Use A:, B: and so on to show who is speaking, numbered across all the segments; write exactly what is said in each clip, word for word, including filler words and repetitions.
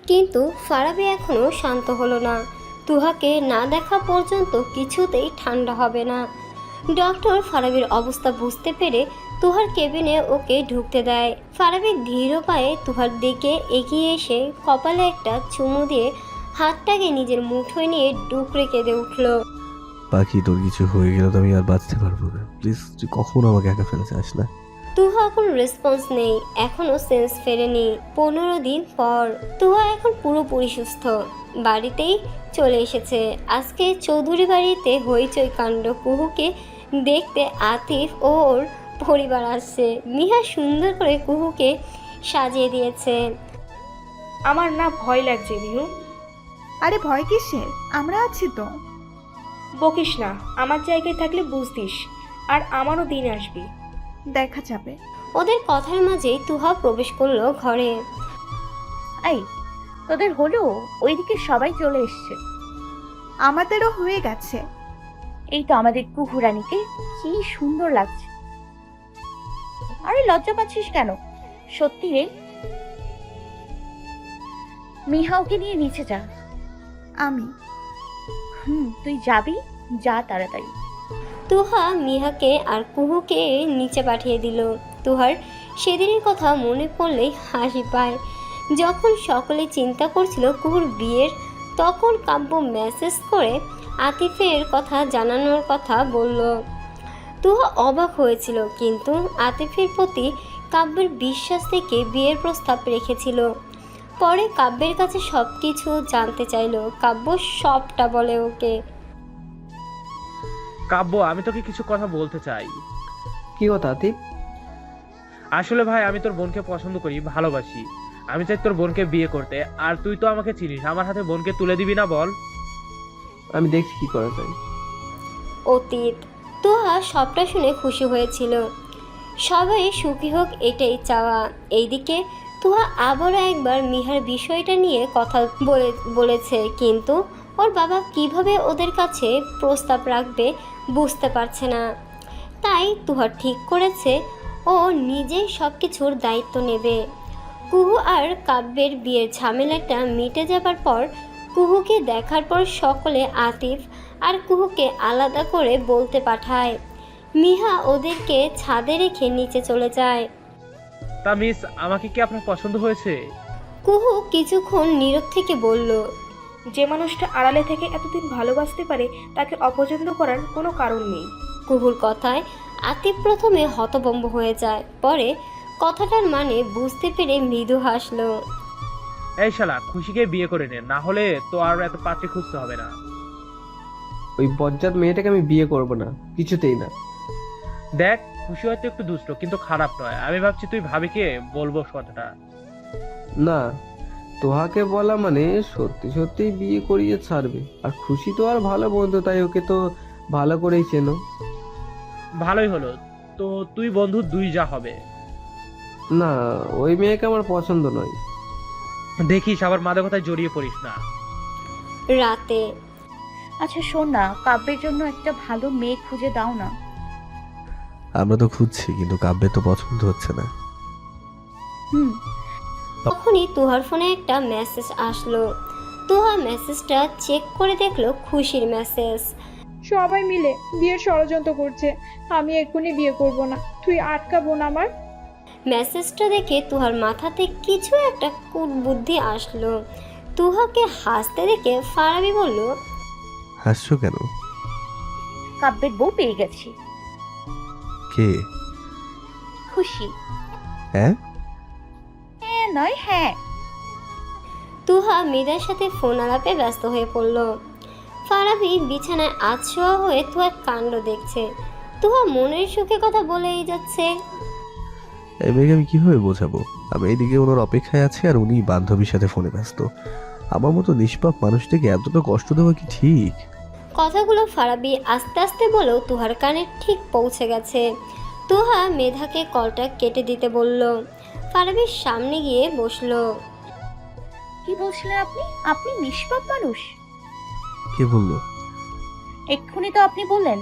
A: কিন্তু ফারাবি এখনও শান্ত হলো না। তুহাকে না দেখা পর্যন্ত কিছুতেই ঠান্ডা হবে না। ডক্টর ফারাবির অবস্থা বুঝতে পেরে তুহার কেবিনে ওকে ঢুকতে দেয়। ফারাবি ধীর পায়ে তুহার দিকে এগিয়ে এসে কপালে একটা চুমু দিয়ে হাতটাকে নিজের মুঠোয় নিয়ে ডুকরে কেঁদে উঠল।
B: বাকি তোর কিছু হয়ে গেলে তো আমি আর বাঁচতে পারবো না। প্লিজ তুই কখনো আমাকে একা ফেলে যাস না।
A: তুহা কোনো রেসপন্স নেই, এখনও সেন্স ফেরেনি। পনেরো দিন পর তুহা এখন পুরোপুরি সুস্থ, বাড়িতেই চলে এসেছে। আজকে চৌধুরী বাড়িতে হইচই কাণ্ড। কুহুকে দেখতে আতিফ ও ওর পরিবার আসছে। মিহা সুন্দর করে কুহুকে সাজিয়ে দিয়েছে।
C: আমার না ভয় লাগছে মিহু।
D: আরে ভয় কিসের, আমরা আছি তো।
C: বকিস না, আমার জায়গায় থাকলে বুঝতিস। আর আমারও দিন আসবি।
D: দেখা যাবে।
A: ওদের কথার মাঝেই তুহা প্রবেশ করলো ঘরে।
E: এই তোদের হলো, ওইদিকে সবাই চলে এসছে।
D: আমাদেরও হয়ে গেছে।
E: এই তো আমাদের কুহুরানিকে কি সুন্দর লাগছে। আরে লজ্জা পাচ্ছিস কেন? সত্যি রে। মিহাওকে নিয়ে নিচে যা।
D: আমি
E: হুম তুই যাবি, যা তাড়াতাড়ি।
A: তুহা মিহাকে আর কুহুকে নিচে পাঠিয়ে দিল। তুহার সেদিনের কথা মনে পড়লেই হাসি পায়। যখন সকলে চিন্তা করছিল কুহুর বিয়ের, তখন কাব্য মেসেজ করে আতিফের কথা জানানোর কথা বলল। তুহা অবাক হয়েছিল, কিন্তু আতিফের প্রতি কাব্যের বিশ্বাস থেকে বিয়ের প্রস্তাব রেখেছিল। পরে কাব্যের কাছে সব কিছু জানতে চাইল। কাব্য সবটা বলে ওকে।
F: কাব্য, আমি তোকে কিছু কথা বলতে চাই।
G: কি কথা আতিফ?
F: আসলে ভাই, আমি তোর বোনকে পছন্দ করি, ভালোবাসি। আমি চাই তোর বোনকে বিয়ে করতে। আর তুই তো আমাকে চিনিস, আমার হাতে বোনকে তুলে দিবি না বল?
G: আমি দেখছি কি করা যায়।
A: অতীত তুহা সবটা শুনে খুশি হয়েছিল। সবাই সুখী হোক, এটাই চাওয়া। এইদিকে তুহা আবারও একবার মিহার বিষয়টা নিয়ে কথা বলে বলেছে, কিন্তু ওর বাবা কিভাবে ওদের কাছে প্রস্তাব রাখবে বুঝতে পারছে না। তাই তুহা ঠিক করেছে ও নিজেই সব কিছুর দায়িত্ব নেবে। কুহু আর কাব্যের বিয়ের ঝামেলাটা মিটে যাবার পর কুহুকে দেখার পর সকলে আতিফ আর কুহুকে আলাদা করে বলতে পাঠায়। মিহা ওদেরকে ছাদে রেখে নিচে চলে যায়।
F: তা মিস, আমাকে কি আপনার পছন্দ হয়েছে?
A: কুহু কিছুক্ষণ নীরব থেকে বলল,
C: যে মানুষটা আড়ালে থেকে এতদিন ভালোবাসতে পারে তাকে অপছন্দ করার কোনো কারণ নেই।
A: কুহুর কথায় আতিফ প্রথমে হতভম্ব হয়ে যায়, পরে কথাটার মানে বুঝতে পেরে মৃদু হাসলো।
F: এই শালা, খুশিকে বিয়ে করে নে, না হলে তো আর এত পাত্রী খুঁজতে হবে না।
G: ওই বজ্জাত মেয়েটাকে আমি বিয়ে করব না, কিছুতেই না।
F: দেখ, খুশি হয়তো একটু দুষ্ট, কিন্তু খারাপ নয়। আমি ভাবছি তুই ভাবিকে বলবো কথাটা।
G: না, তোহাকে বলা মানে সত্যি সত্যি বিয়ে করিয়ে ছাড়বে। আর খুশি তো আর ভালো বন্ধু, তাই ওকে তো ভালো করেই চেনো।
F: ভালোই হলো তো, তুই বন্ধু দুই যা হবে।
G: না, ওই মেয়েকে আমার পছন্দ নয়।
F: দেখিস আবার মাদকতায় জড়িয়ে পড়িস না।
A: রাতে
E: আচ্ছা শোন না, কাব্যের জন্য একটা ভালো মেয়ে খুঁজে দাও না।
B: আমরা তো খুঁজছি, কিন্তু কাব্যের তো পছন্দ হচ্ছে না।
E: হুম
A: তখনই তুহার ফোনে একটা মেসেজ আসলো। তুহা মেসেজটা চেক করে দেখলো খুশির মেসেজ।
H: সবাই মিলে বিয়ের ষড়যন্ত্র করছে। আমি এক্ষুনি বিয়ে করব না, তুই আটকাবো না আমার।
A: মেসেজটা দেখে তুহার মাথাতে কিছু একটা কুটবুদ্ধি আসলো। তুহাকে হাসতে দেখে ফারাবি বলল,
B: হাসছো কেন?
E: কাব্যের বউ পেয়ে গেছি।
B: কে?
E: খুশি।
B: হ্যাঁ?
E: হ্যাঁ নয় হ্যাঁ।
A: তুহা মৃদার সাথে ফোন আলাপে ব্যস্ত হয়ে পড়ল। ফারাবি বিছানায় আছোয়া হয়ে তুহার কাণ্ড দেখছে। তুহা মনের সুখে কথা বলেই যাচ্ছে।
B: এই মেয়েকে আমি কিভাবে বোঝাবো? আমি এইদিকে ওনার অপেক্ষায় আছি আর উনি বান্ধবীর সাথে ফোনে ব্যস্ত। আমার মতো নিষ্পাপ মানুষটাকে এতটা কষ্ট দেওয়া কি ঠিক?
A: কথাগুলো ফারাবি আস্তে আস্তে বলেও তুহার কানে ঠিক পৌঁছে গেছে। তুহা মেধাকে কলটা কেটে দিতে বলল। ফারাবির সামনে গিয়ে বসলো।
E: কি বলছিলেন আপনি? আপনি নিষ্পাপ মানুষ?
B: কে বললো?
E: এক্ষুনি তো আপনি বললেন।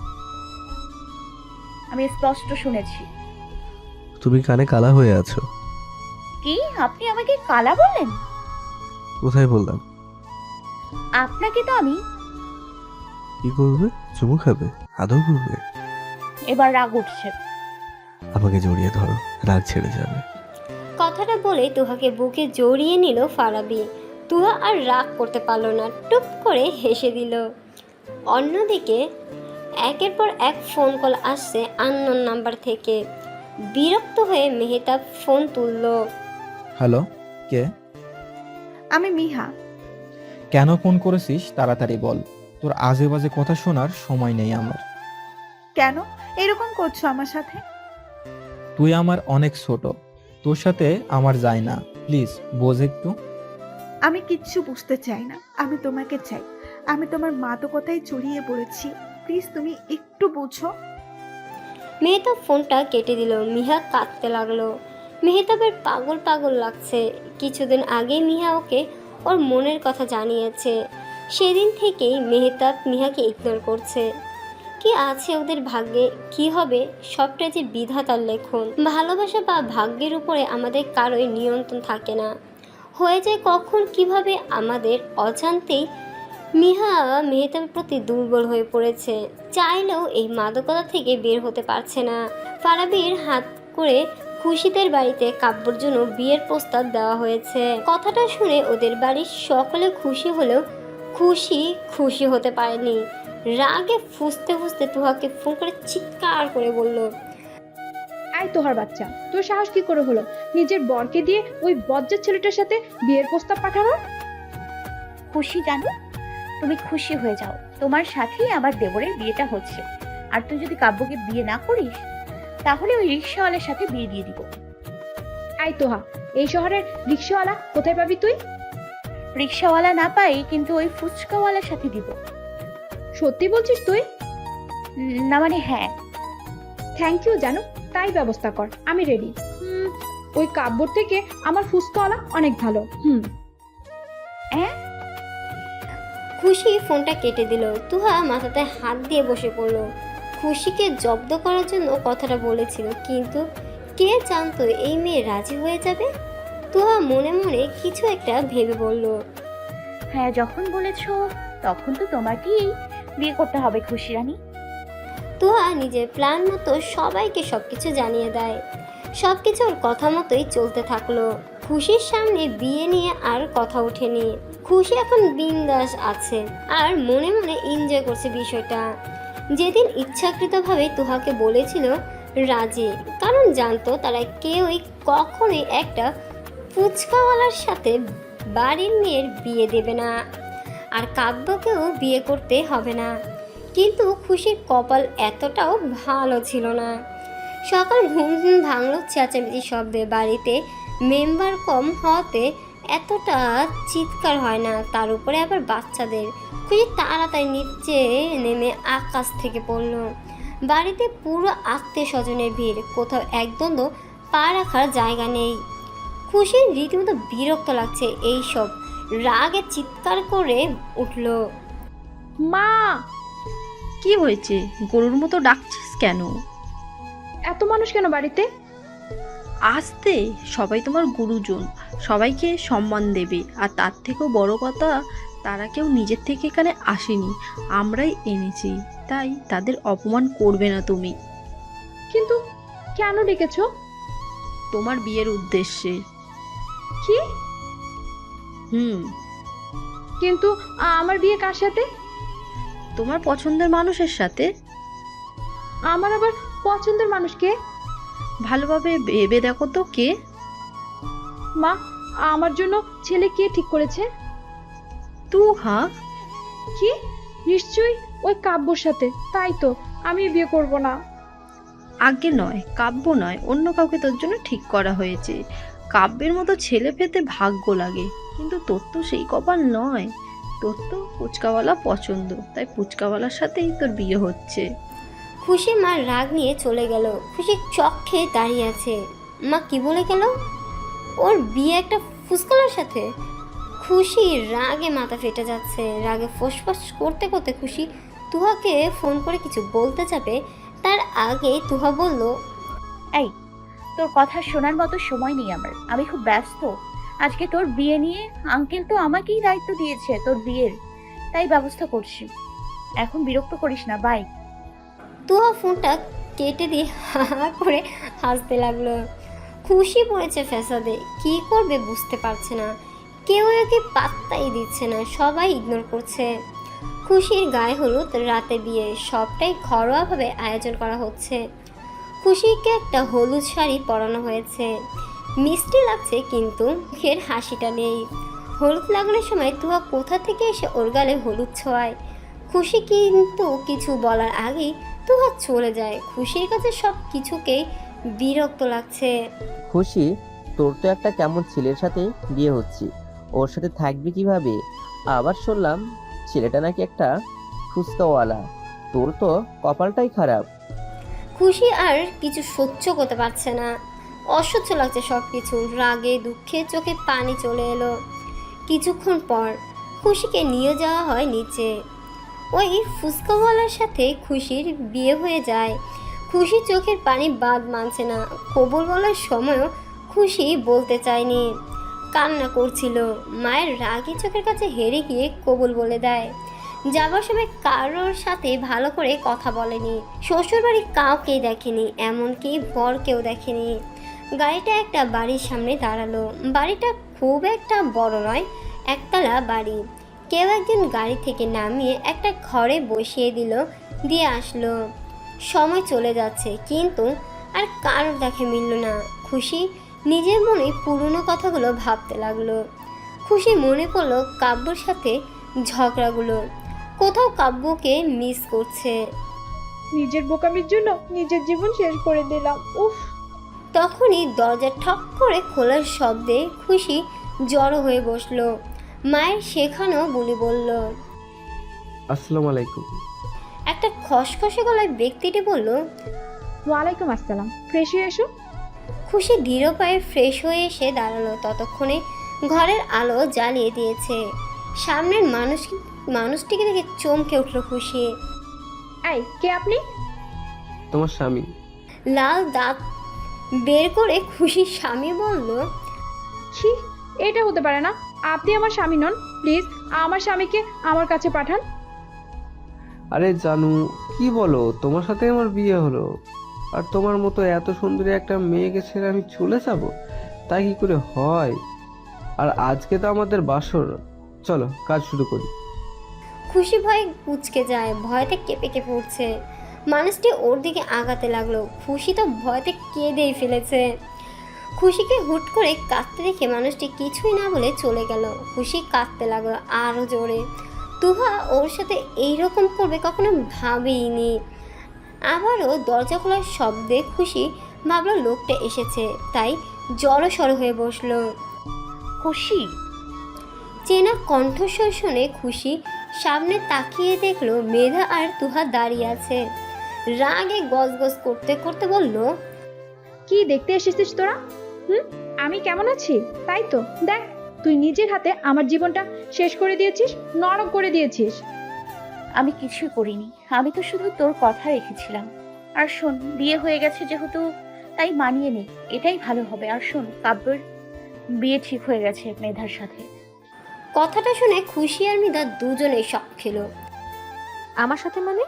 E: আমি স্পষ্ট শুনেছি।
B: তুমি কানে কালা হয়ে আছো।
E: কি? আপনি আমাকে কালা বললেন?
B: কোথায় বললাম?
E: আপনাকে তো আমি
B: কি করবে? চুমু খাবে? আদৌ করবে?
E: এবার রাগ উঠছে।
B: আমাকে জড়িয়ে ধরো, রাগ ছেড়ে যাবে।
A: কথাটা বলে তুহাকে বুকে জড়িয়ে নিল ফারাবি। তুহা আর রাগ করতে পারলো না, টুপ করে হেসে দিল। অন্যদিকে একের পর এক ফোন কল আসছে আননোন নাম্বার থেকে। বিরক্ত হয়ে মেহতাব ফোন তুলল।
I: হ্যালো, কে?
D: আমি মিহা।
I: কেন ফোন করেছিস তাড়াতাড়ি বল। তোর আজে বাজে কথা শোনার সময় নেই আমার।
D: কেন এরকম করছো আমার সাথে?
I: তুই আমার অনেক ছোট, তোর সাথে আমার যায় না। প্লিজ বোঝ একটু।
D: আমি কিচ্ছু বুঝতে চাই না, আমি তোমাকে চাই। আমি তোমার মাদকতায় জড়িয়ে পড়েছি, প্লিজ তুমি একটু বুঝো।
A: মেহতাব ফোনটা কেটে দিল। মিহা কাঁদতে লাগলো। মেহতাবের পাগল পাগল লাগছে। কিছুদিন আগে মিহা ওকে ওর মনের কথা জানিয়েছে। সেদিন থেকেই মেহতাব মিহাকে ইগনোর করছে। কি আছে ওদের ভাগ্যে, কি হবে সবটা যে বিধাতার লেখন। ভালোবাসা বা ভাগ্যের উপরে আমাদের কারোই নিয়ন্ত্রণ থাকে না। হয়ে যায় কখন কিভাবে আমাদের অজান্তেই। মিহা মেহতাবের প্রতি দুর্বল হয়ে পড়েছে। চাইলেও এই মাদকতা থেকে বের হতে পারছে না। ফারাবির হাত করে খুশিদের বাড়িতে কাব্যর জন্য বিয়ের প্রস্তাব দেওয়া হয়েছে। কথাটা শুনে ওদের বাড়ির সকলে খুশি হলেও খুশি খুশি হতে পারেনি। রাগে ফুঁসতে ফুঁসতে তুহাকে ফোন করে চিৎকার করে বলল,
H: আয় তোহার বাচ্চা, তোর সাহস কি করে হলো নিজের বরকে দিয়ে ওই বজ্জাত ছেলেটার সাথে বিয়ের প্রস্তাব পাঠানোর?
E: খুশি জানো, তুমি খুশি হয়ে যাও, তোমার সাথেই আমার দেবরের বিয়েটা হচ্ছে। আর তুই যদি কাব্যকে বিয়ে না করিস তাহলে ওই রিক্সাওয়ালার সাথে বিয়ে দিয়ে দিব।
H: আয় তোহা, এই শহরের রিক্সাওয়ালা কোথায় পাবি তুই?
E: রিক্সাওয়ালা না পাই কিন্তু ওই ফুচকাওয়ালার সাথে দিব।
H: সত্যি বলছিস তুই?
E: উম, না মানে হ্যাঁ।
H: থ্যাংক ইউ জানু, তাই ব্যবস্থা কর, আমি রেডি। হুম, ওই কাব্যর থেকে আমার ফুসকাওয়ালা অনেক ভালো। হুম।
E: হ্যাঁ,
A: খুশি ফোনটা কেটে দিল। তুহা মাথাতে হাত দিয়ে বসে পড়ল। খুশিকে জব্দ করার জন্য কথাটা বলেছিল, কিন্তু কে জানতো এই মেয়ে রাজি হয়ে যাবে। তুহা মনে মনে কিছু একটা ভেবে বলল,
E: হ্যাঁ যখন বলেছো তখন তো তোমাকেই বিয়ে করতে হবে খুশি রানী।
A: তুহা নিজের প্ল্যান মতো সবাইকে সবকিছু জানিয়ে দেয়। সবকিছু ওর কথা মতোই চলতে থাকলো। খুশির সামনে বিয়ে নিয়ে আর কথা ওঠেনি। খুশি এখন বিন্দাস আছে আর মনে মনে এনজয় করছে বিষয়টা। যেদিন ইচ্ছাকৃতভাবে তুহাকে বলেছিল রাজি, কারণ জানতো তারা কেউই কখনোই একটা ফুচকাওয়ালার সাথে বাড়ির মেয়ের বিয়ে দেবে না, আর কাব্যকেও বিয়ে করতে হবে না। কিন্তু খুশির কপাল এতটাও ভালো ছিল না। সকাল ঘুম ঘুম ভাঙল চেঁচামেচি শব্দে। বাড়িতে মেম্বার কম হওয়াতে এতটা চিৎকার হয় না, তার উপরে আবার বাচ্চাদের। খুশি তাড়াতাড়ি নিচে নেমে আকাশ থেকে পড়ল। বাড়িতে পুরো আত্মীয় স্বজনের ভিড়, কোথাও একদ্বন্দ্ব পা রাখার জায়গা নেই। খুশির রীতিমতো বিরক্ত লাগছে এইসব। রাগে চিৎকার করে উঠল,
H: মা!
J: কি হয়েছে? গরুর মতো ডাকছিস কেন?
H: এত মানুষ কেন বাড়িতে?
J: আসতে, সবাই তোমার গুরুজন, সবাইকে সম্মান দেবে। আর তার থেকেও বড় কথা, তারা কেউ নিজের থেকে এখানে আসেনি, আমরাই এনেছি, তাই তাদের অপমান করবে না তুমি।
H: কিন্তু কেন ডেকেছো?
J: তোমার বিয়ের উদ্দেশ্যে।
H: কি?
J: হুম।
H: কিন্তু আমার বিয়ে কার সাথে?
J: তোমার পছন্দের মানুষের সাথে।
H: আমার আবার পছন্দের মানুষ কে?
J: ভালোভাবে ভেবে দেখো তো কে।
H: মা, আমার জন্য ছেলে কে ঠিক করেছে?
J: তুহা।
H: কি? নিশ্চয়ই ওই কাব্যর সাথে। তাই তো আমি বিয়ে করব না।
J: আগে নয়, কাব্য নয়, অন্য কাউকে তোর জন্য ঠিক করা হয়েছে। কাব্যের মতো ছেলে পেতে ভাগ্য লাগে, কিন্তু তোর তো সেই কপাল নয়। তোর তো ফুচকাওয়ালা পছন্দ, তাই ফুচকাওয়ালার সাথেই তোর বিয়ে হচ্ছে।
A: খুশি মা রাগ নিয়ে চলে গেল। খুশি চক খেয়ে দাঁড়িয়ে আছে। মা কি বলে গেল? ওর বিয়ে একটা ফুসকালার সাথে? খুশি রাগে মাথা ফেটে যাচ্ছে। রাগে ফোসফাস করতে করতে খুশি তুহাকে ফোন করে কিছু বলতে যাবে, তার আগে তুহা বলল,
E: এই, তোর কথা শোনার মতো সময় নেই আমার, আমি খুব ব্যস্ত। আজকে তোর বিয়ে নিয়ে আঙ্কেল তো আমাকেই দায়িত্ব দিয়েছে তোর বিয়ের, তাই ব্যবস্থা করছি। এখন বিরক্ত করিস না, বাই।
A: তুহা ফোনটা কেটে দিয়ে হা হা করে হাসতে লাগলো। খুশি পড়েছে ফ্যাসাদে, কি করবে বুঝতে পারছে না। কেউ একে পাত্তাই দিচ্ছে না, সবাই ইগনোর করছে। খুশির গায়ে হলুদ, রাতে বিয়ে, সবটাই ঘরোয়াভাবে আয়োজন করা হচ্ছে। খুশিকে একটা হলুদ শাড়ি পরানো হয়েছে, মিষ্টি লাগছে কিন্তু মুখের হাসিটা নেই। হলুদ লাগানোর সময় তুহা কোথা থেকে এসে ওর গালে হলুদ ছোঁয়ায়। খুশি কিন্তু কিছু বলার আগেই তুহা চলে যায়। খুশির কাছে সব কিছুকেই বিরক্ত লাগছে।
K: খুশি, তোর তো একটা কেমন ছেলের সাথে বিয়ে হচ্ছে, ওর সাথে থাকবি কিভাবে? আবার শুনলাম ছেলেটা নাকি একটা ফুচকাওয়ালা, তোর তো কপালটাই খারাপ।
A: খুশি আর কিছু সহ্য করতে পারছে না, অসহ্য লাগছে সব কিছু। রাগে দুঃখে চোখে পানি চলে এলো। কিছুক্ষণ পর খুশিকে নিয়ে যাওয়া হয় নিচে। ওই ফুচকাওয়ালার সাথে খুশির বিয়ে হয়ে যায়। খুশি চোখের পানি বাদ মানছে না। কবুল বলার সময়ও খুশি বলতে চায়নি, কান্না করছিল। মায়ের রাগে চোখের কাছে হেরে গিয়ে কবুল বলে দেয়। যাবার সময় কারোর সাথে ভালো করে কথা বলেনি, শ্বশুরবাড়ি কাউকেই দেখেনি, এমনকি বরকেও দেখেনি। গাড়িটা একটা বাড়ির সামনে দাঁড়ালো। বাড়িটা খুব একটা বড় নয়, একতলা বাড়ি। কেউ একজন গাড়ি থেকে নামিয়ে একটা ঘরে বসিয়ে দিল, দিয়ে আসলো। সময় চলে যাচ্ছে কিন্তু আর কারোর দেখে মিলল না। খুশি নিজের মনে পুরনো কথাগুলো ভাবতে লাগলো। খুশি মনে পড়লো কাব্যর সাথে ঝগড়াগুলো, কোথাও কাব্যকে মিস করছে।
H: নিজের বোকামির জন্য নিজের জীবন শেষ করে দিলাম, উফ।
A: তখনই দরজা ঠক করে খোলার শব্দে খুশি জড়ো হয়ে বসলো। মায়ের শেখানো বুলি বলল,
G: আসসালামু আলাইকুম।
A: একটা খসখসে গলায় ব্যক্তিটি বলল,
H: ওয়ালাইকুম আসসালাম, ফ্রেশ হয়ে এসো।
A: খুশি ধীর পায়ে ফ্রেশ হয়ে এসে দাঁড়ালো। ততক্ষণে ঘরের আলো জ্বালিয়ে দিয়েছে। সামনের মানুষ মানুষটিকে দেখে চমকে উঠল খুশি।
H: এই, কে আপনি?
G: তোমার স্বামী।
A: লাল দাঁত বের করে খুশির স্বামী বলল,
H: ছি, এটা হতে পারে না। আপনি আমার স্বামী নন, প্লিজ আমার স্বামীকে আমার কাছে পাঠান।
G: আরে জানু, কি বলো? তোমার সাথে আমার বিয়ে হলো, আর তোমার মতো এত সুন্দরী একটা মেয়েকে ছেড়ে আমি চলে যাব? তা কি করে হয়? আর আজকে তো আমাদের বাসর, চলো কাজ শুরু করি।
A: খুশি ভয়ে কুঁচকে যায়, ভয়তে কেঁপে কেঁপে উঠছে। মানুষটি ওর দিকে আগাতে লাগলো। খুশি তো ভয়তে কেঁদেই ফেলেছে। খুশিকে হুট করে কাঁদতে দেখে মানুষটি কিছুই না বলে চলে গেল। খুশি কাঁদতে লাগলো আরও জোরে। তুহা ওর সাথে এইরকম করবে কখনো ভাবেইনি। আবারও দরজা খোলার শব্দে খুশি ভাবলো লোকটা এসেছে, তাই জড়সড় হয়ে বসলো।
E: খুশি,
A: চেনা কণ্ঠস্বর শুনে খুশি সামনে তাকিয়ে দেখলো মেধা আর তুহা দাঁড়িয়ে আছে। রাগে গজগজ করতে করতে বলল,
H: কি দেখতে এসেছিস তোরা? হুম, আমি কেমন আছি তাই তো দেখ। তুই নিজের হাতে আমার জীবনটা শেষ করে দিয়েছিস, নরক করে দিয়েছিস।
E: আমি কিছুই করিনি, আমি তো শুধু তোর কথা রেখেছিলাম। আর শোন, বিয়ে হয়ে গেছে যেহেতু তাই মানিয়ে নে, এটাই ভালো হবে। আর শোন, কাব্যের বিয়ে ঠিক হয়ে গেছে মেধার সাথে।
A: কথাটা শুনে খুশি আর মিধা দুজনেই শক খেলো।
C: আমার সাথে মানে?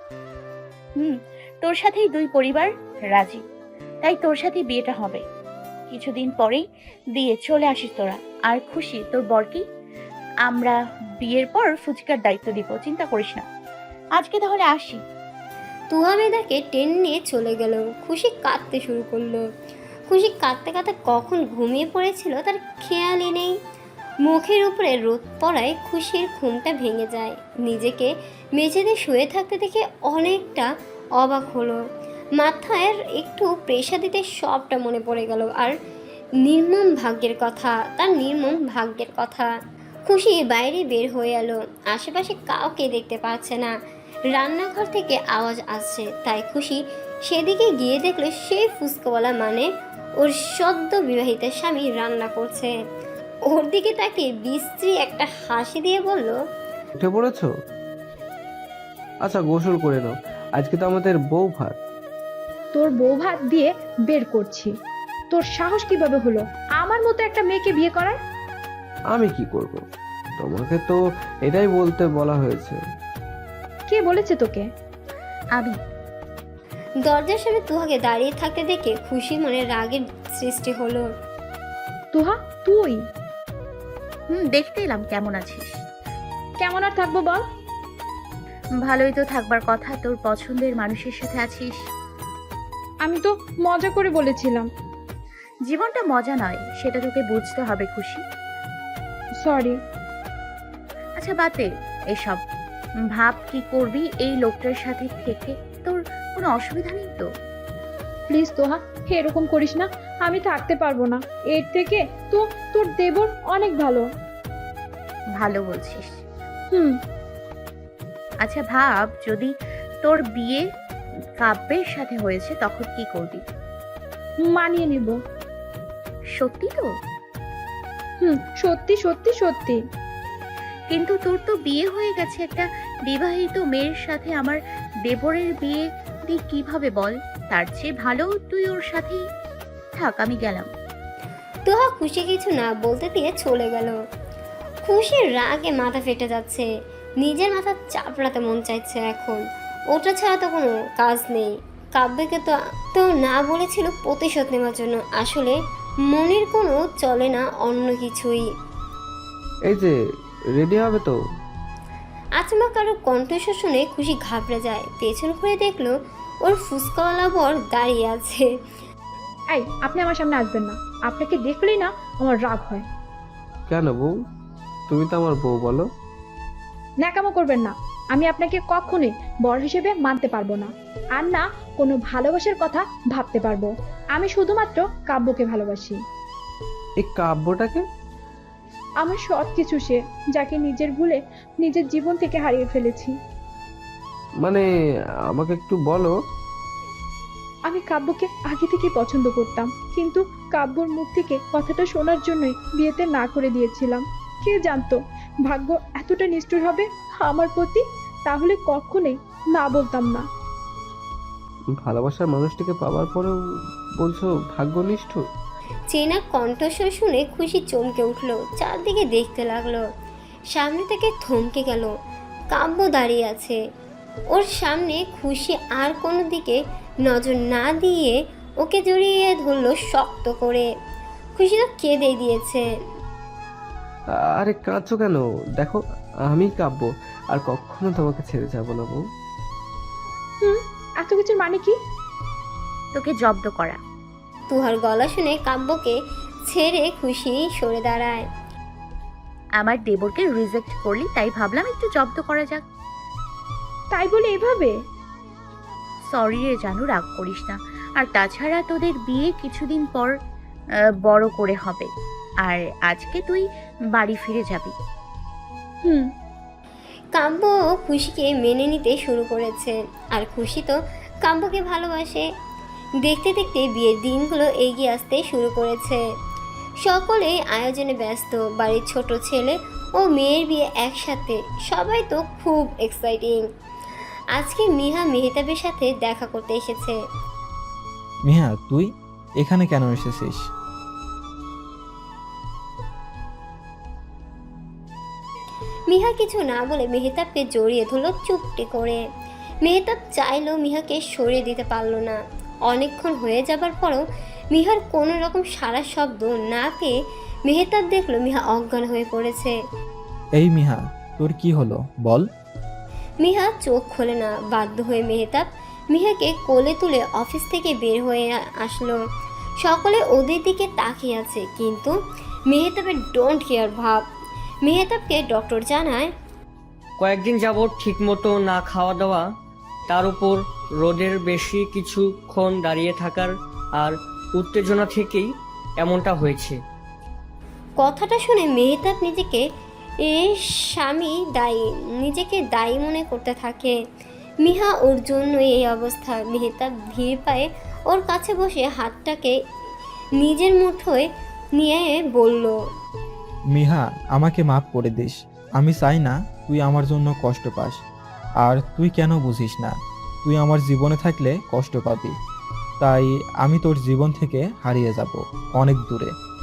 E: হুম, তোর সাথেই দুই পরিবার রাজি, তাই তোর সাথে বিয়েটা হবে। কিছুদিন পরেই বিয়ে, চলে আসিস তোরা। আর খুশি, তোর বরকে আমরা বিয়ের পর ফুচকার দায়িত্ব দিব, চিন্তা করিস না। আজকে তাহলে আসি।
A: তুহা মেধাকে টেনে নিয়ে চলে গেল। খুশি কাঁদতে শুরু করলো। খুশি কাঁদতে কাঁদতে কখন ঘুমিয়ে পড়েছিল তার খেয়ালই নেই। মুখের উপরে রোদ পড়ায় খুশির ঘুমটা ভেঙে যায়। নিজেকে মেঝেতে শুয়ে থাকতে দেখে অনেকটা অবাক হলো। মাথায় একটু প্রেশার দিতে সবটা মনে পড়ে গেল। আর নির্মম ভাগ্যের কথা, তার নির্মম ভাগ্যের কথা। খুশি বাইরে বের হয়ে এলো। আশেপাশে কাউকে দেখতে পাচ্ছে না। রান্নাঘর থেকে আওয়াজ আসছে, তাই খুশি সেদিকে গিয়ে দেখলো সেই ফুচকাওয়ালা মানে ওর সদ্য বিবাহিত স্বামী রান্না করছে। ওর দিকে তাকে বিশ্রী একটা হাসি দিয়ে বলল,
G: উঠে পড়েছো? আচ্ছা, গোসল করে নাও, আজকে তো আমাদের বউ ভাত।
H: তোর বউ ভাত দিয়ে বের করছি। তোর সাহস কিভাবে হলো আমার মতো একটা মেয়েকে বিয়ে করার?
G: আমি কি করব? তোমাকে তো এটাই বলতে বলা হয়েছে।
H: কে বলেছে তোকে?
E: আমি।
A: দরজার সামনে তুহাকে দাঁড়িয়ে থাকতে দেখে খুশি মনে রাগের সৃষ্টি হলো।
H: তুহা, তুই?
E: হুম, দেখতে এলাম কেমন আছিস।
H: কেমন আর থাকবো বল?
E: ভালোই তো থাকবার কথা, তোর পছন্দের মানুষের সাথে আছিস।
H: আমি তো মজা করে বলেছিলাম।
E: জীবনটা মজা নয়, সেটা তোকে বুঝতে হবে খুশি।
H: সরি।
E: আচ্ছা বাদে এসব, ভাব কি করবি এই লোকটার সাথে থেকে, তোর কোনো অসুবিধা নেই তো?
H: প্লিজ তোহা, এরকম করিস না, আমি থাকতে পারবো না। এর থেকে তো তোর দেবর অনেক ভালো।
E: ভালো বলছিস?
H: হুম।
E: আচ্ছা ভাব, যদি তোর বিয়ে কাব্যের সাথে হয়েছে তখন কি করবি?
H: মানিয়ে নেব।
E: সত্যি তো?
H: হুম, সত্যি সত্যি সত্যি।
E: কিন্তু তোর তো বিয়ে হয়ে গেছে একটা বিবাহিত মেয়ের সাথে, আমার দেবরের বিয়ে তুই কিভাবে বল? তার চেয়ে ভালো তুই ওর সাথেই থাক, আমি গেলাম।
A: তুহা খুশি কিছু না বলতে দিয়ে চলে গেল। খুশির রাগে মাথা ফেটে যাচ্ছে, নিজের মাথা চাপড়াতে মন চাইছে এখন। ওটা ছাড়া তো কোনো কাজ নেই। কাব্যকে তো তো না বলেছিল প্রতিশোধ নেওয়ার জন্য, আসলে মনের কোনো চলে না অন্য কিছুই।
G: এই যে রেডি হবে তো?
A: আচমকা কারো কণ্ঠস্বর শুনে খুশি ঘাবড়ে যায়, পেছন ঘুরে দেখলো ওর ফুসকাওয়ালা বর দাঁড়িয়ে আছে।
H: এই, আপনি আমার সামনে আসবেন না। আপনাকে দেখলেই না আমার রাগ হয়।
G: কেন বউ? তুমি তো আমার বউ, বলো।
H: ন্যাকামো করবেন না। আমি আপনাকে কখনোই বর হিসেবে মানতে পারবো না, আর না কোনো ভালোবাসার কথা ভাবতে পারবো। আমি শুধুমাত্র কাব্যকে ভালোবাসি।
G: এই কাব্যটাকে?
H: আমার সব কিছু সে, যাকে নিজের ভুলে নিজের জীবন থেকে হারিয়ে ফেলেছি।
G: মানে আমাকে একটু বলো।
H: আমি কাব্যকে আগে থেকে পছন্দ করতাম, কিন্তু কাব্যর মুখ থেকে কথাটা শোনার জন্যই বিয়েতে না করে দিয়েছিলাম। কে জানতো ভাগ্য এতটা নিষ্ঠুর হবে আমার প্রতি? তাহলে কখনোই না বলতাম না।
G: ভালোবাসার মানুষটিকে পাওয়ার পরেও বলছো ভাগ্যনিষ্ঠ?
A: চেনা কণ্ঠস্বর শুনে খুশি চমকে উঠলো, চারদিকে দেখতে লাগলো। সামনে থেকে থমকে গেল। কাব্য দাঁড়িয়ে আছে ওর সামনে। খুশি আর কোনো দিকে নজর না দিয়ে ওকে জড়িয়ে ধরলো শক্ত করে। খুশি তো কেঁদে দিয়েছে।
G: আরে কাঁদছো কেন? দেখো আমি কাব্য, আর কখনো তোমাকে ছেড়ে যাবো না বউ।
H: হুম, এত কিছুর মানে কি?
E: তোকে জব্দ করা।
A: তুহার গলা শুনে কাব্যকে ছেড়ে খুশি সরে দাঁড়ায়।
E: আমার দেবরকে রিজেক্ট করলি, তাই ভাবলাম একটু জব্দ করা যাক।
H: তাই বলে এভাবে?
E: সরি রে জানু, রাগ করিস না। আর তাছাড়া তোদের বিয়ে কিছুদিন পর আহ, বড় করে হবে, আর আজকে তুই বাড়ি ফিরে যাবি।
H: হুম।
A: কাব্য খুশিকে মেনে নিতে শুরু করেছে, আর খুশি তো কাব্যকে ভালোবাসে। দেখতে দেখতে বিয়ের দিনগুলো এগিয়ে আসতে শুরু করেছে। সকলেই আয়োজনে ব্যস্ত। বাড়ির ছোট ছেলে ও মেয়ের বিয়ে একসাথে, সবাই তো খুব এক্সাইটিং। আজকে মিহা মেহতাবের সাথে দেখা করতে এসেছে।
I: মিহা, তুই এখানে কেন এসেছিস?
A: মিহা কিছু না বলে মেহতাবকে জড়িয়ে ধরলো চুপটি করে। মেহতাব চাইলেও মিহাকে সরিয়ে দিতে পারল না। অনেকক্ষণ হয়ে যাবার পরও মিহার কোনো রকম সারা শব্দ না পেয়ে মেহতাব দেখলো মিহা অজ্ঞান হয়ে পড়েছে।
I: এই মিহা, তোর কি হলো বল?
A: মিহা চোখ খোলে না। বাধ্য হয়ে মেহতাব মিহাকে কোলে তুলে অফিস থেকে বের হয়ে আসলো। সকলে ওদের দিকে তাকিয়ে আছে, কিন্তু মেহতাবের ডোন্ট কেয়ার ভাব। মেহতাবকে ডক্টর জানায়,
L: কয়েকদিন যাবৎ ঠিকমতো না খাওয়া দাওয়া, তার উপর রোদের বেশি কিছুক্ষণ দাঁড়িয়ে থাকার আর উত্তেজনা থেকেই এমনটা হয়েছে।
A: কথাটা শুনে মেহতাব নিজেকে এ স্বামী দায়ী নিজেকে দায়ী মনে করতে থাকে। মিহা ওর জন্য এই অবস্থা। মেহতাব ধীর পায়ে ওর কাছে বসে হাতটাকে নিজের মুঠোয় নিয়ে বলল,
I: মিহা, আমাকে মাফ করে দিস। আমি চাই না তুই আমার জন্য কষ্ট পাস, আর তুই কেন বুঝিস না তুই আমার জীবনে থাকলে কষ্ট পাবি। তাই আমি তোর জীবন থেকে হারিয়ে যাব অনেক দূরে।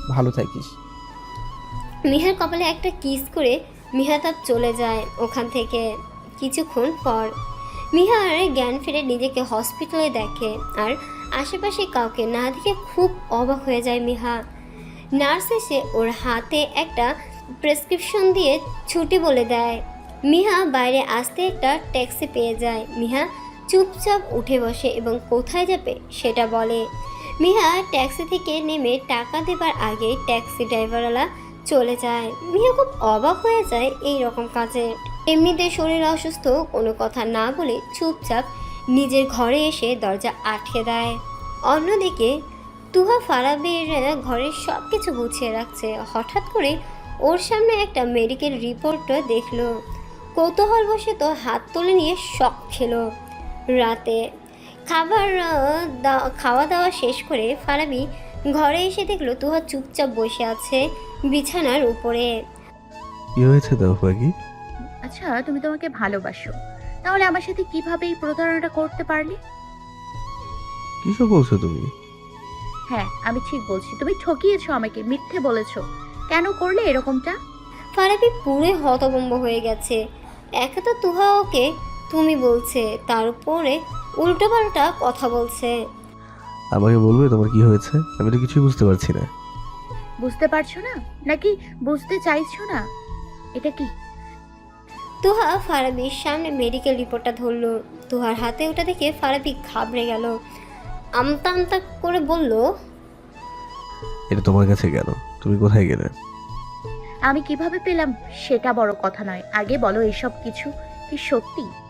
I: ভালো থাকিস।
A: মিহার কপালে একটা কিস করে মিহাতাব চলে যায় ওখান থেকে। কিছুক্ষণ পর মিহার জ্ঞান ফিরে নিজেকে হসপিটালে দেখে আর আশেপাশে কাউকে না দেখে খুব অবাক হয়ে যায় মিহা। নার্স এসে ওর হাতে একটা প্রেসক্রিপশন দিয়ে ছুটি বলে দেয়। মিহা বাইরে আসতে একটা ট্যাক্সি পেয়ে যায়। মিহা চুপচাপ উঠে বসে এবং কোথায় যাবে সেটা বলে। মিহা ট্যাক্সি থেকে নেমে টাকা দেবার আগে ট্যাক্সি ড্রাইভারওয়ালা চলে যায়। মিহা খুব অবাক হয়ে যায় এই রকম কাজে। এমনিতে শরীর অসুস্থ, কোনো কথা না বলে চুপচাপ নিজের ঘরে এসে দরজা আটকে দেয়। অন্যদিকে তুহা ফারাবির ঘরের সব কিছু গুছিয়ে রাখছে। হঠাৎ করে ওর সামনে একটা মেডিকেল রিপোর্ট দেখলো। কৌতূহল বসে তো হাত তুলে নিয়ে শক খেলো। রাতে খাবার দা- খাওয়া দাওয়া শেষ করে ফারাবি ঘরে এসে দেখলো তুহা চুপচাপ বসে আছে বিছানার উপরে।
B: কি হয়েছে দাও পাখি?
E: আচ্ছা, তুমি তোমাকে ভালোবাসো, তাহলে আমার সাথে কিভাবে এই প্রতারণাটা করতে পারলে?
B: কিসব বলছো তুমি?
E: হ্যাঁ, আমি ঠিক বলছি, তুমি ঠকিয়েছো আমাকে, মিথ্যে বলেছো। কেন করলে এরকমটা?
A: ফারাবি পুরো হতভম্ব হয়ে গেছে। একে তো তুহা ওকে তুমি বলছে, তার উপরে উল্টোপাল্টা কথা বলছে।
B: আমাকে বলবে তোমার কি হয়েছে? আমি তো কিছুই বুঝতে পারছি না।
E: বুঝতে পারছো না নাকি বুঝতে চাইছো না? এটা কি?
A: তুহা ফারাবির সামনে মেডিকেল রিপোর্টটা ধরলো। তুহার হাতে ওটা দেখে ফারাবি ঘাবড়ে গেল। আমতা আমতা করে বলল,
B: এটা তোমার কাছে কেন? তুমি কোথায় গেলে?
E: আমি কিভাবে পেলাম সেটা বড় কথা নয়, আগে বলো এসব কিছু কি সত্যি?